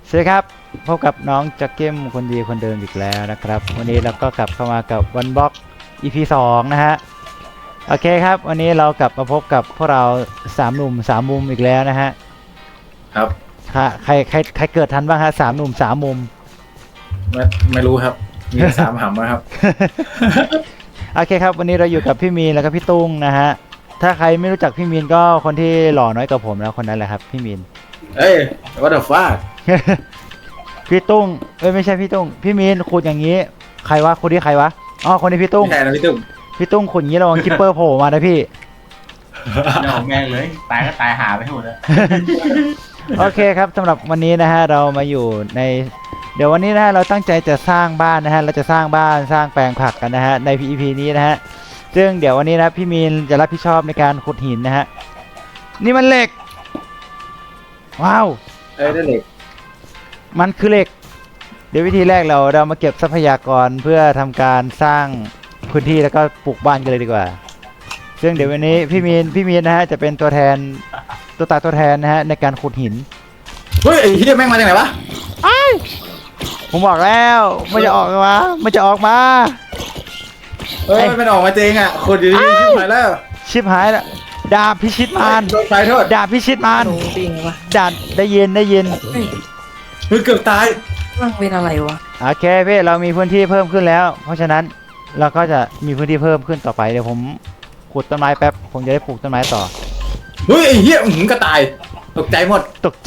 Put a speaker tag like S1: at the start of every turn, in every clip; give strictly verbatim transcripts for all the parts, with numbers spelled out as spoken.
S1: สวัสดีครับพบกับน้องจักเก้มคนดีคนเดิมอีกแล้วนะครับวันนี้เราก็กลับเข้ามากับวันบล็อก อี พี สองนะฮะโอเคครับวันนี้เรากลับมาพบกับพวกเราสามหนุ่มสามมุมอีกแล้วนะฮะ
S2: ครับ
S1: ค่ะใครใครใครเกิดทันบ้างฮะสามหนุ่มสามมุม
S2: ไม่ไม่รู้ครับมีสามหำนะครับ
S1: โอเคครับวันนี้เราอยู่กับพี่มีนแล้วก็พี่ตุ้งนะฮะถ้าใครไม่รู้จักพี่มีนก็คนที่หล่อน้อยกว่าผมแล้วคนนั้นแหละครับพี่มีน
S2: เอ้ย what the fuck
S1: พี่ตุ้งเอ้ยไม่ใช่พี่ตุ้งพี่มีนขุดอย่างนี้ใครวะคนที่ใครวะอ๋อคนที่พี่ตุ้ง
S2: ไม่ใช่นะพี่ตุ้ม
S1: พี่ตุ้งขุดอย่างนี้ระวังคิปเปอร์โผล่มานะพี่
S3: เดี๋ยวแม่งเลยตายก็ตายหาไปหมดแล้ว
S1: โอเคครับสำหรับวันนี้นะฮะเรามาอยู่ในเดี๋ยววันนี้นะฮะเราตั้งใจจะสร้างบ้านนะฮะเราจะสร้างบ้านสร้างแปลงผักกันนะฮะใน อี พี นี้นะฮะซึ่งเดี๋ยววันนี้นะพี่มีนจะรับผิดชอบในการขุดหินนะฮะนี่มันเหล็กว้าว
S2: เอ้ยได้เหล็ก
S1: มันคือเหล็กเดี๋ยววิธีแรกเราเรามาเก็บทรัพยากรเพื่อทำการสร้างพื้นที่แล้วก็ปลูกบ้านกันเลยดีกว่าซึ่งเดี๋ยววันนี้พี่มีนพี่มีนนะฮะจะเป็นตัวแทนตัวตาตัวแทนนะฮะในการขุดหิน
S2: เฮ้ยไอ้เหี้ยแม่งมาจากไหนวะ
S1: ผมบอกแล้วมันจะออกมามันจะออกมา
S2: เฮ้ยมันออกมาจริงอ่ะคนอยู่ที่ชิบหายแล้ว
S1: ชิบหายแล้วดาบพิชิตมาร
S2: โดนไฟโทษ
S1: ดาบพิชิตมาร
S4: หนูปิงวะ
S1: ดาบได้ยินได้ยิน
S4: เฮ้ย
S2: เฮ้ยเกือบตาย
S4: มันเป็นอะไรวะ
S1: โอเคพี่เรามีพื้นที่เพิ่มขึ้นแล้ว เพราะฉะนั้นเราก็จะมีพื้นที่เพิ่มขึ้นต่อไปเดี๋ยวผมขุดต้นไม้แป๊บผมจะได้ปลูกต้นไม้ต่อ
S2: เฮ้ยไอ้เหี้ยอื้อหืมก็ตายตกใจหมด
S1: ตกใจ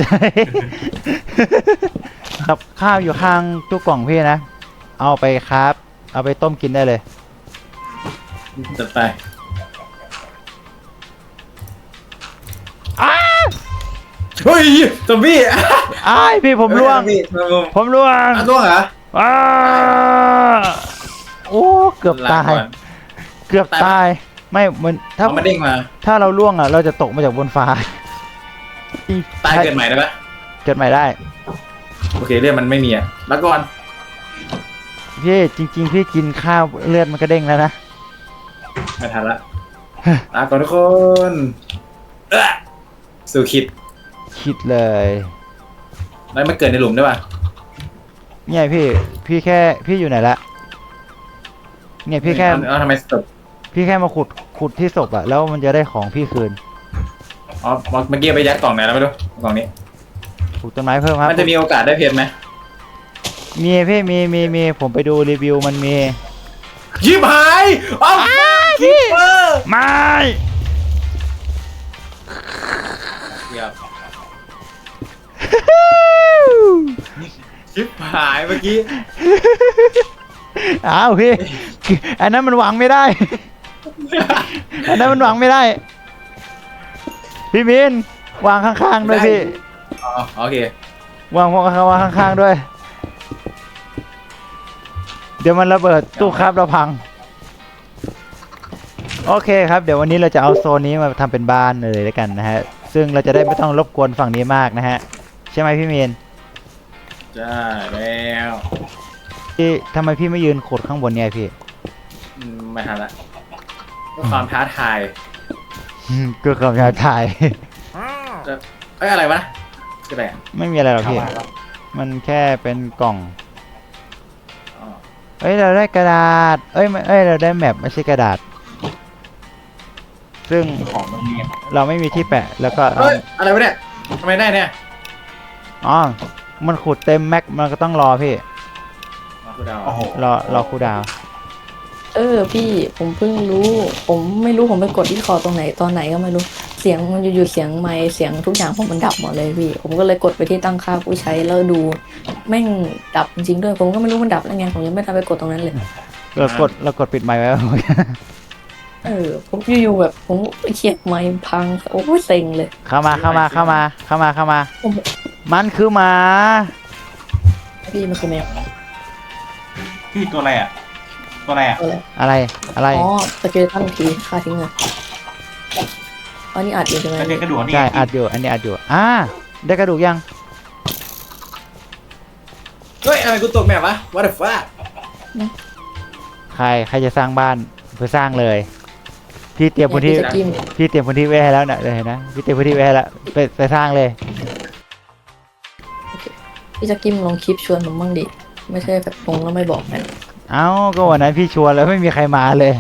S1: ครับข้าวอยู่ข้างตู้กล่องพี่นะเอาไปครับเอาไปต้มกินได้เลย
S2: จัดไป
S1: อ้า
S2: เฮ้ยซอมบี้
S1: อ้ายพี่ผมร่วง
S2: เฮ้ยซอมบี้
S1: ผมร่วง
S2: อ่ะร่วงเหรอ
S1: อ้าโอ้เกือบตาย
S2: ลก่อน
S1: เกือบตายไม่มันถ้า
S2: เอามาเด้งมา
S1: ถ้าเราล่วงอ่ะเราจะตกมาจากบนฟ้า
S2: ตายเกิดใหม่ได้ปะ
S1: เกิดใหม่ได้
S2: โอเคเรื่องมันไม่มีอ่ะแล้วก่อน
S1: พี่จริง ๆ พี่กินข้าวเลือดมันก็เด้งแล้วนะ
S2: ไม่ทันละลาก่อนทุกคนเอ้อสู่คิด
S1: คิดเลย
S2: แล้วมันเกิดในหลุมได้ปะ
S1: เนี่ยพี่พี่แค่พี่อยู่ไหนละเนี่ยพี่แค่
S2: เอาเอาทำไมศพ
S1: พี่แค่มาขุดขุดที่ศพอะแล้วมันจะได้ของพี่คืน
S2: อ๋อเมื่อกี้ไปยัดกล่องไหนแล้วไม่รู้กล่องนี้
S1: ปลูกต้นไม้เพิ่มครับ
S2: มันจะมีโอกาสได้เพชรไหม
S1: มีพี่มีมีมีผมไปดูรีวิวมันมี
S2: ยิบหายอ้าวคิปเปอร์
S1: ไม่
S2: ชิบหายเมื่อกี้
S1: อ้าวพี่อันนั้นมันหวังไม่ได้ อันนั้นมันหวังไม่ได้ พี่มินวางข้างๆด้วยพี่
S2: อ๋อโอเคว
S1: างวางวางข้างๆด้วย เดี๋ยวมันระเบิดตู้ครับเราพัง โอเคครับเดี๋ยววันนี้เราจะเอาโซนนี้มาทำเป็นบ้านเลยแล้วกันนะฮะซึ่งเราจะได้ไม่ต้องรบกวนฝั่งนี้มากนะฮะใช่ไหมพี่มีน
S2: จ้าแล้ว
S1: พี่ทำไมพี่ไม่ยืนขุดข้างบนเนี่ยพี่
S2: อืมไม่ทันละเพื่อความท้าทาย
S1: อืมก็กำลังถ่าย
S2: จะเอ้ยอะไรวะคืออะไรอ่ะ
S1: ไม่มีอะไรหรอกพี่
S3: เข้ามาแล้ว
S1: มันแค่เป็นกล่อง
S2: อ๋อ
S1: เอ้ยเราได้กระดาษ เอ้ยไม่เอ้ยเราได้แมปไม่ใช่กระดาษ ซึ่ง
S3: ของมันเรียน
S1: เราไม่มีที่แปะแล้วก็
S2: เฮ้ยอะไรวะเนี่ยทำไมได้เนี่ย
S1: อ๋อมันขุดเต็มแม็กมันก็ต้องรอพี่
S2: อ๋อคือดาว
S3: โอ้โห
S1: รอรอครูดาว
S4: เออพี่ผมเพิ่งรู้ ผมไม่รู้ผมไปกดที่คอตรงไหนตอนไหนก็ไม่รู้เสียงมันอยู่ๆเสียงไมค์เสียงทุกอย่างผมมันดับหมดเลยพี่ ผมก็เลยกดไปที่ตั้งค่าผู้ใช้แล้วดูแม่งดับจริงๆด้วยผมก็ไม่รู้มันดับแล้วไงผมยังไม่ทันไปกดตรงนั้นเลย
S1: เรากดเรากดปิดไมค์ไว้
S4: เออผมอยู่ๆแบบผมเขียดไมค์พังโอ้ยเซ็งเลย
S1: เข้ามาเข้ามาเข้ามาเข้ามาเข้ามา
S4: โอ้โห
S1: มันคือหมา
S4: พี่มันคือแมว
S3: พี่ตัวอะไรอ่ะ ตัวอะไรอ่ะ
S4: อะไร
S1: อะไรอะไร
S4: อ๋อสเกลตันทีค่าทิ้งเงินอันนี้อัดอยู่ใช่ไหม
S3: มันเป็นกระดูกนี่
S1: ใช่อัดอยู่อันนี้อัดอยู่อ่าได้กระดูกยัง
S2: เฮ้ยอะไรกูตกแมปวะ what the fuck
S1: ใครใครจะสร้างบ้านเพื่อสร้างเลย พี่เตรียมพื้นที่
S4: พี่จะจิ้ม
S1: พี่เตรียมพื้นที่ไว้ให้แล้วเนี่ยเลยนะพี่เตรียมพื้นที่ไว้ให้แล้วไปไปสร้างเลย
S4: เพี่จะกิมลงคลิปชวนผมบ้างดิไม่ใช่แบบลงแล้วไม่บอกกัน
S1: เอ้าก็วันนั้นพี่ชวนแล้วไม่มีใครมาเลย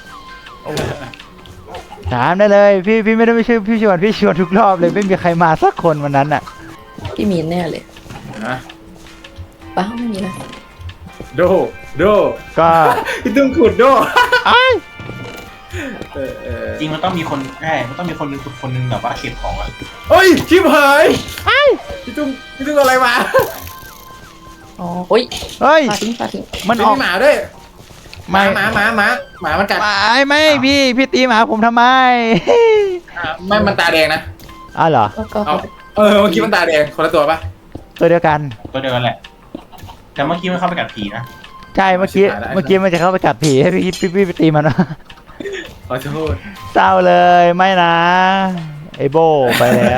S1: ถามได้เลยพี่พี่ไม่ได้ไม่ใช่พี่ชวนพี่ชวนทุกรอบเลยไม่มีใครมาสักคนวันนั้นอ่ะ
S4: พี่มีนแน่เลย
S2: นะ
S4: เป้าไม่มีนะ
S2: โดโด
S1: ก็
S2: พี่ตุ้มขุดโด
S1: ไอ้าย
S2: เออเออ
S3: จริงมันต้องมีคนใช่มันต้องมีคนหนึงฝึกคนหนึงแบบว่าเก็บของอ่ะ
S2: เฮ้ยชิบหายพี่ตุ้มพี่ตุ้มเอาอะไรมา
S4: อ๋อโอ้ย
S1: เฮ้ย
S4: ปลาทิ้งปลาทิ้ง
S1: มัน
S2: มี
S1: ออก
S2: หมาด้วยห
S1: ไม่
S2: มาหมาหมาหมาหมามันกัด
S1: ไม่ไม่พี่พี่ตีหมาผมทำไม
S2: อ่ะไม่มันตาแดงนะ
S1: อ้าวเหรอ
S4: ก็ก็
S2: เอาเออเมื่อกี้มันตาแดงคนละตัวปะ
S1: ตัวเดียวกัน
S3: ตัวเดียวกันแหละ แต่เมื่อกี้มันเข้าไปกัดผีนะ
S1: ใช่เมื่อกี้
S2: ชิบหายแล้ว
S1: เมื่อกี้มันจะเข้าไปกัดผีให้พี่พี่พี่ไปตีมัน
S2: ขอโทษ
S1: เศร้าเลยไม่นะไอโบไปแล้ว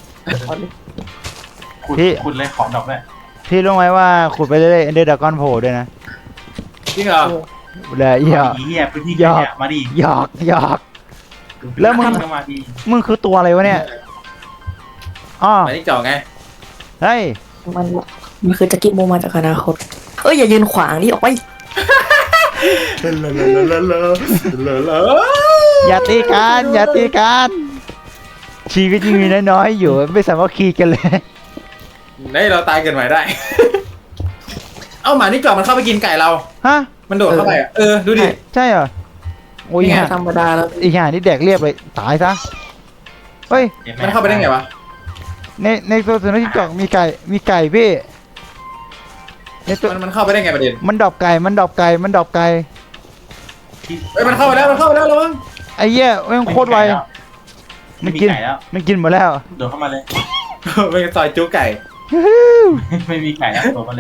S3: ขุด
S1: พี่
S3: ขุดเลยของดอกด้วย
S1: พี่รู้ไหมว่าขุดไปเรื่อยๆเอนเดอร์ดากอนโผล่ด้วยนะ
S2: จริงเหรอ
S1: เลยหยอก
S3: ผีเหี้ยพื้นที่
S1: หยอก
S3: เนี่ยมาดิ
S1: หยอกหยอก แล้วมึง
S3: ก็มาดิ
S1: มึงคือตัวอะไรวะเนี่ยอ๋อ
S2: หมาที่เจาะไง
S1: เฮ้ย
S4: มันมันคือจะกินโมมาจากอนาคตเอ้ยอย่ายืนขวางดิออกไป
S2: เลอะเลอะเลอะเลอะเลอะเลอะ
S1: อย่าตีกันอย่าตีกันชีวิตยังมีน้อยๆอยู่ไม่สามารถคีกันเลย
S2: ได้เราตายเกินไปได้ เอ้าหมานี่เจาะมันเข้าไปกินไก่เรา
S1: ฮะ
S2: มันโดดเข้าไปอ่ะเออดูดิ
S1: ใช่เหรอโอ้ย
S2: นี่ไง
S1: ห่า
S4: ธรรมดาแล้ว
S1: อีห่านี่แดกเรียบเลยตายซะเฮ้ย
S3: จ็บห
S2: มันเข้าไปได้ไงวะ
S1: ในในตัวสุนัขจิ้งจอกมีไก่มีไก่พี่ในตัว
S2: มันมันเข้าไปได้ไงประเด็น
S1: มันดรอปไก่มันดรอปไก่มันดรอปไก่
S3: ที่
S2: เอ้ยมันเข้าไปแล้วมันเข้าไปแล้วระวัง
S1: ไอ้เหี้ยแม่งโคตรไว
S3: ไม่
S1: มัน
S3: มี
S1: กิน
S3: ไก่แล้ว
S1: มันกินหมดแล้ว
S3: โดดเข้ามาเลย
S2: เป็นซอยจุไก่
S3: ไม่มีไก่แล้วโดดมาเลย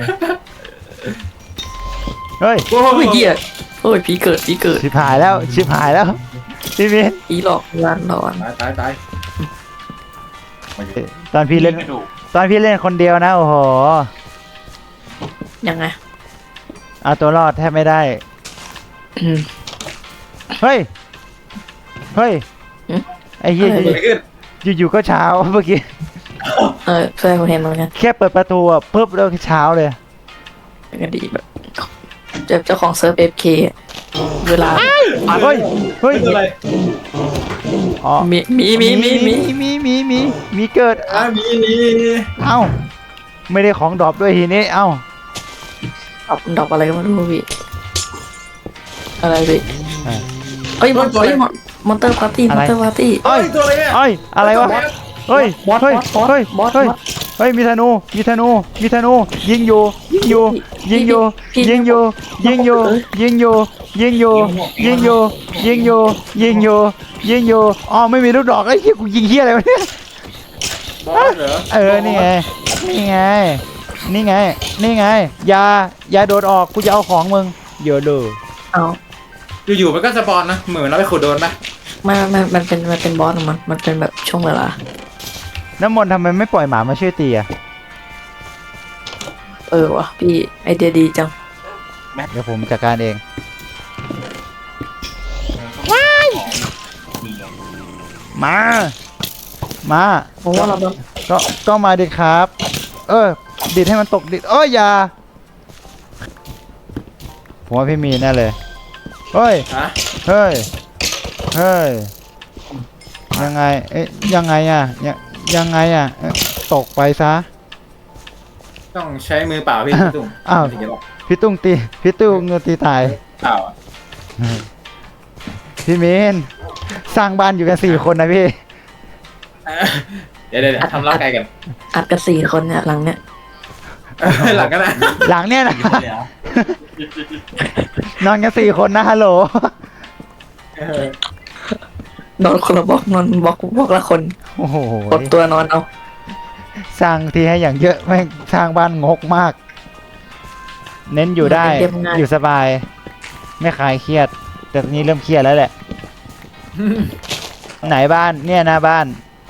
S1: เฮ้ย
S2: โอ้
S4: โอ้ยเหี้ยโอ้ยผีเกิดผีเกิด
S1: ชิบหายแล้วชิบหายแล้วพี่มิน
S4: ผีหลอกร้านนอน
S2: ตายตายตาย
S3: มาอยู่
S1: ตอนพี่เล่น
S3: กระดูก
S1: ตอนพี่เล่นคนเดียวนะโอ้โห
S4: ยังไง
S1: เอาตัวรอดแทบไม่ได้
S4: อืม
S1: เฮ้ยเฮ้ย
S4: หึ
S1: ไอ้เหี้ย
S4: อะไร
S2: เกิดอะไรขึ้น
S1: อยู่ๆก็เช้าเมื่อกี้
S4: เออใช่ผมเห็นเหมือนกัน
S1: แค่เปิดประตูอ่ะปุ๊บแล้วก็เช้าเลย
S4: เป็นกันดีแบบเจ้าเจ้าของเซิร์ฟเอฟเคเวลา
S1: เฮ้ยเฮ้ย
S2: เป็นอะไร
S1: อ๋อ
S4: มีมีมีมีมี
S1: มีมีมีมีเกิด
S2: อ่ะมีมี
S1: เอ้าไม่ได้ของดรอปด้วยทีนี้เอ้า
S4: ดอกดอกอะไรก็ไม่รู้พี่อะไรพี่เอ้ยมอนเอ้ยมอนเตอร์พาร์ตี้มอนเตอร์พาร์ตี้
S2: เฮ้ยตัวอะไรเนี่ย
S1: เอ้ยอะไรวะเฮ้ย
S4: บอส
S1: เฮ้ย
S4: บอส
S1: เฮ้ย
S4: บอส
S1: เฮ้ย
S4: บอส
S1: เฮ้ยมีธนูมีธนูมีธนูยิงอยู่ยิงอยู่ยิงอยู่
S4: พี่
S1: ยิงอยู่ยิงอยู่
S4: เอ้ย
S1: ยิงอยู่ยิงอยู่ยิงอยู่ยิงอยู่ยิงอยู่ยิงอยู่อ๋อไม่มีลูกดอกไอ้เหี้ยกูยิงเหี้ยอะไรวะเนี่ย
S2: บอสเหรอ
S1: เออนี่ไงนี่ไงนี่ไงนี่ไงอย่าอย่าโดดออกกูจะเอาของมึงเยอะเลย
S4: เอา
S2: อยู่ๆมันก็สปอนนะเหมือนเราไปขุดโดนปะ
S4: ไม่ไม่มันเป็นมันเป็นบอสของมันมันเป็นแบบช่วงเวลา
S1: น้ำมนต์ทำไมไม่ปล่อยหมามาช่วยตีอ่ะ
S4: เออวะพี่ไอเดียดีจัง
S1: เดี๋ยวผมจัดการเอง
S3: ว้ายมีเหรอ
S1: มามา
S4: ผมว่าเราแบบ
S1: ก็ก็มาดิครับ เออดิดให้มันตกดิดเอ้ยอย่าผมว่าพี่มีแน่เลยเฮ้ย
S2: ฮะ
S1: เฮ้ยเฮ้ยยังไงเอ๊ะยังไงอ่ะยังยังไงอ่ะเอ๊ะตกไปซะ
S2: ต้องใช้มือเปล่าพี่ตุ้ม
S1: อ้าว
S2: ถึงจะรอด
S1: พี่ตุ้งตีพี่ตุ้งตีตาย
S2: เปล่าอ่ะ
S1: พี่มีนสร้างบ้านอยู่กันสี่คนนะพี่
S2: เดี๋ยวเดี๋ยวเดี๋ยวทำร่างกายกัน
S4: อัดกันสี่คนเนี่ยหลังเนี่ย
S2: หลังกันนะ
S1: หลังเนี่ยนะ
S3: อยู่เลยเหรอน
S1: อนกันสี่คนนะฮัลโหล
S2: เออน
S4: อนคนละบล็อกนอนบล็อกบล็อกละคน
S1: โอ้โห
S4: กดตัวนอนเอา
S1: สร้างทีให้อย่างเยอะแม่งสร้างบ้านงกมาก เน้นอยู่ได้อยู่สบาย ไม่คลายเครียด แต่ตอนนี้เริ่มเครียดแล้วแหละ ไหนบ้านเนี่ยนะบ้าน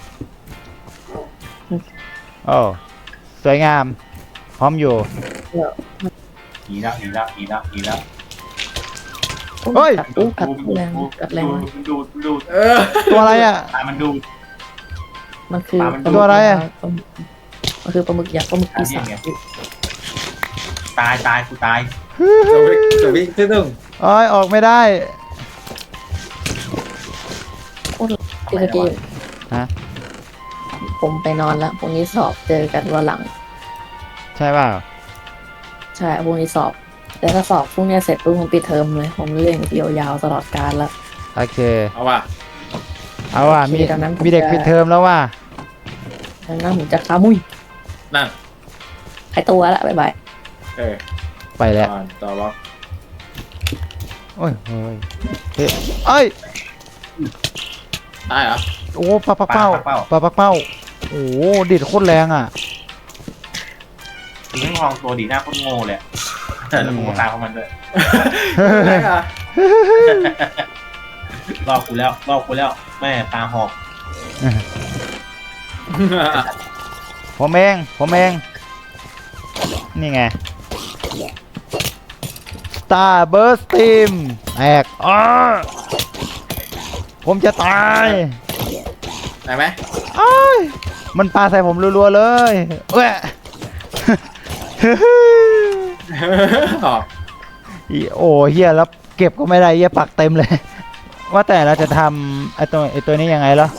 S1: โอ้สวยงาม พร้อมอยู่
S3: ผีแล้วผีแล้วผีแล้วผีแล้ว
S1: เฮ้ย
S4: กัดอู้กัดแรงกัดแรง
S3: ดูดดูดดูด
S2: เออ
S1: ตัวอะไรอ่ะ
S3: ตามันดูด
S4: มันคือ
S3: ปลามัน
S1: ตัวอะไรอะ
S4: ต้นมันคือปลาหมึกยักษ์ปลาหมึกปีศาจ
S3: ตายตายกูตาย
S2: สวิกสวิกที่ตึ้ง
S1: โอ้ยออกไม่ได้
S4: โคตรตีสกี
S1: ฮะ
S4: ผมไปนอนแล้วพรุ่งนี้สอบเจอกันวันหลัง
S1: ใช่เปล่า
S4: ใช่พรุ่งนี้สอบ แต่ถ้าสอบพรุ่งนี้เสร็จปุ๊บผมปิดเทอมเลย ผมเล่นยาวๆตลอดกาลแล้ว
S1: โอเค
S2: เอาว่ะ
S1: เอาว่ะมี
S4: โอเคดังนั้นผม
S1: มีเด็ก
S4: จะ
S1: ปิดเทอมแล้วว่ะ
S4: ดังนั้นผมจะขามุย
S2: นั่น
S4: หายตัวแล้วบ๊ายบาย
S2: เออ
S1: ไปแล้ว
S2: ต่อต่อล็อก
S1: โอ้ยโอ้ยเฮ้ยเอ้ย
S2: ตายเหรอ
S1: โอ้ปลาปักเป้าปลาปักเป้าโอ้โหดิดโคตรแรงอ่ะ
S3: ถึงต้องลองตัวดีหน้าโคตรโง่เลยแต่แล้วกูก็ตามเขามันด้วย
S2: ตายเหรอ
S3: รอบกูแล้วรอบกูแล้วแม่ตาหอก
S1: ผมเองผมเองนี่ไง Star Burst Team แตกอ้อผมจะตาย
S2: ได้ไหม
S1: อ้ายมันปาใส่ผมรัวๆเลยเอ้ย
S2: ออก
S1: อีโอ้เฮียแล้วเก็บก็ไม่ได้เฮียปักเต็มเลย ว่าแต่เราจะทำไอตัวไอตัวนี้ยังไงเหรอ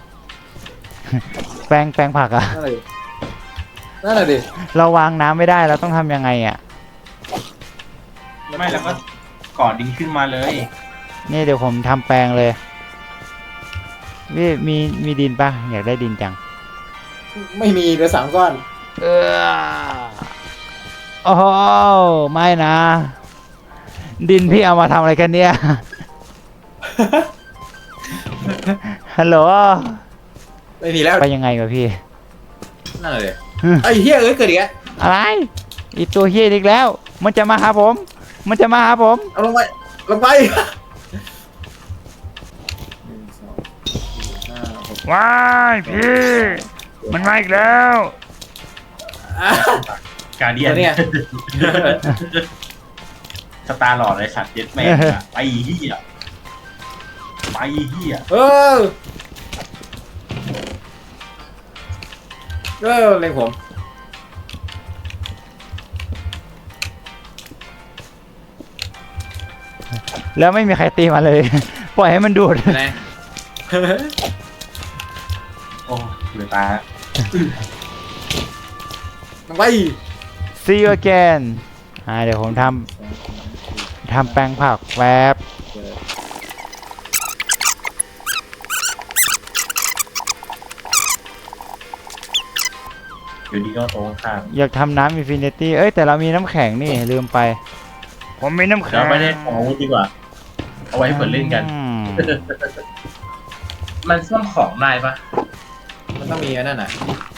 S1: แปลงแปลงผักอะ
S2: นั่นเลยนั่นแหละดิ
S1: เราวางน้ำไม่ได้เราต้องทำยังไงอะ
S3: ไม่แล้วก็กอดดินขึ้นมาเลย
S1: นี่เดี๋ยวผมทำแปลงเลยพี่มีมีดินปะอยากได้ดินจัง
S2: ไม่มีเหลือสามก้อน
S1: เออโอ้โหไม่นะ ดินพี่เอามาทำอะไรกันเนี่ย ฮัลโหล
S2: ไม่มีแล้ว
S1: ไปยังไงวะพี่
S2: นั่นเลยไอ้เฮียเอ้ยเกิดอีกแล้ว
S1: อะไรอีตัวเฮียอีกแล้ว มันจะมาหาผม มันจะมาหาผม
S2: เอาลงไปลงไป
S1: ว้ายพี่ มันมาอีกแล้ว
S3: การเดียน
S2: เนี่ย
S3: สตาร์หลอดเลยสัตว์เย็ดแม่งอะไปเหี้ยไปเหี้ย
S2: เออเออเล็งผม
S1: แล้วไม่มีใครตีมาเลย ปล่อยให้มันดูด
S2: ไหน
S3: โอ้เหลือตา
S2: ลงไป
S1: See you again อ่าเดี๋ยวผมทำทำแปลงผักแวบ
S3: อยู่ดีก็โตข้าง
S1: อยากทำน้ำอินฟินิตี้เอ้ยแต่เรามีน้ำแข็งนี่ลืมไป ผมมีน้ำแข็
S3: เรา
S1: ง
S3: ไม่ได้ของอาวุธดีกว่า เอาไว้ให้เปิดเล่นกัน
S1: อืม
S3: มันซ่อมของได้ปะ
S2: มันต้องมีอันนั่นน่ะ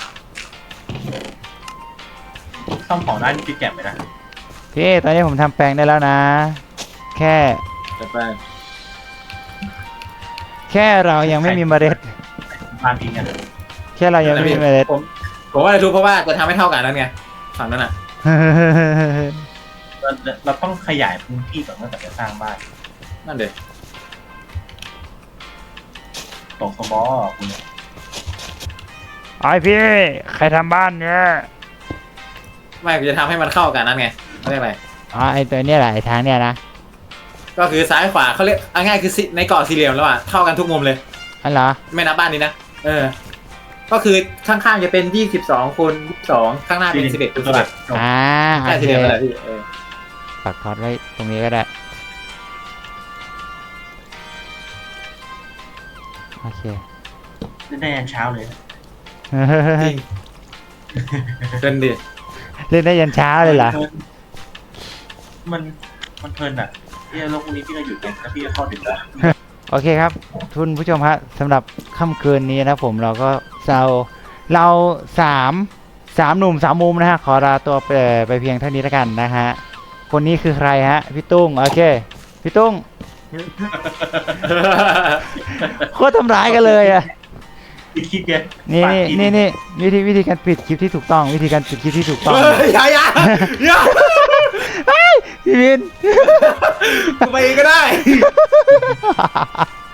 S3: ซ่อมของได้นี่คือแก็บไหมนะ
S1: พี่ตอนนี้ผมทำแปลงได้แล้วนะ แค่
S2: จะไป
S1: แค่เรายังไม่มีเมล็ด
S3: บ้านทิ้งกัน
S1: แค่เรายังไม่มีเมล็ด
S2: ผมผมว่าจะทุบเพราะว่าจะทำให้เท่ากันนั่นไงฝั่งนั้นน่ะ
S3: เราเราต้องขยายพื้นที่ก่อนเมื่อจะสร้างบ้าน
S2: นั่นเด็
S3: ตกสบอคุณ
S1: ไอพี่ใครทำบ้านเนี่ย
S2: ไม่กูจะทำให้มันเข้ากันนั่นไงเขาเรียกอะไร
S1: อ๋อไอตัวเนี้ยแหละไอทางเนี้ยนะ
S2: ก็คือซ้ายขวาเขาเรียกเอาง่ายคือในเกาะสี่เหลี่ยมแล้วอ่ะเท่ากันทุกมุมเลย
S1: อันเหรอ
S2: ไม่นับบ้านนี้นะเออ ก็คือข้างๆจะเป็นยี่สิบสองคูณยี่สิบสองข้างหน้าเป็นสิบเอ็ดคูณสิบเอ็ด
S1: อ่าโอ
S2: ใช่
S1: เค
S2: สี่เหลี่ยมอะไรพี่เออ
S1: ปักทอดไว้ตรงนี้ก็ได้โอเค
S3: ได้ยันเช้าเลย
S2: จริงเกินดิ
S1: เล่นได้ยันเช้าเลยเหรอ
S3: มันมันเพลินอ่ะที่โลกนี้พี่ก็หยุดกันแล้วพี่ก็เข้าดึกแล้ว
S1: โอเคครับคุณผู้ชมฮะสำหรับค่ำคืนนี้นะผมเราก็เราเราสามสามหนุ่มสามมุมนะฮะขอลาตัวไปไปเพียงเท่านี้แล้วกันนะฮะคนนี้คือใครฮะพี่ตุ้งโอเคพี่ตุ้งโคตรทำร้ายกันเลยอ่ะ
S3: พี่คิดเนี่ย
S1: นี่นี่นี่นี่วิธีวิธีการปิดคลิปที่ถูกต้อง วิธีการปิดคลิปที่ถูกต้อง
S2: เฮ้ยอย่าอย่าอย่า
S1: พี่วิน
S2: กูไปเองก็ได้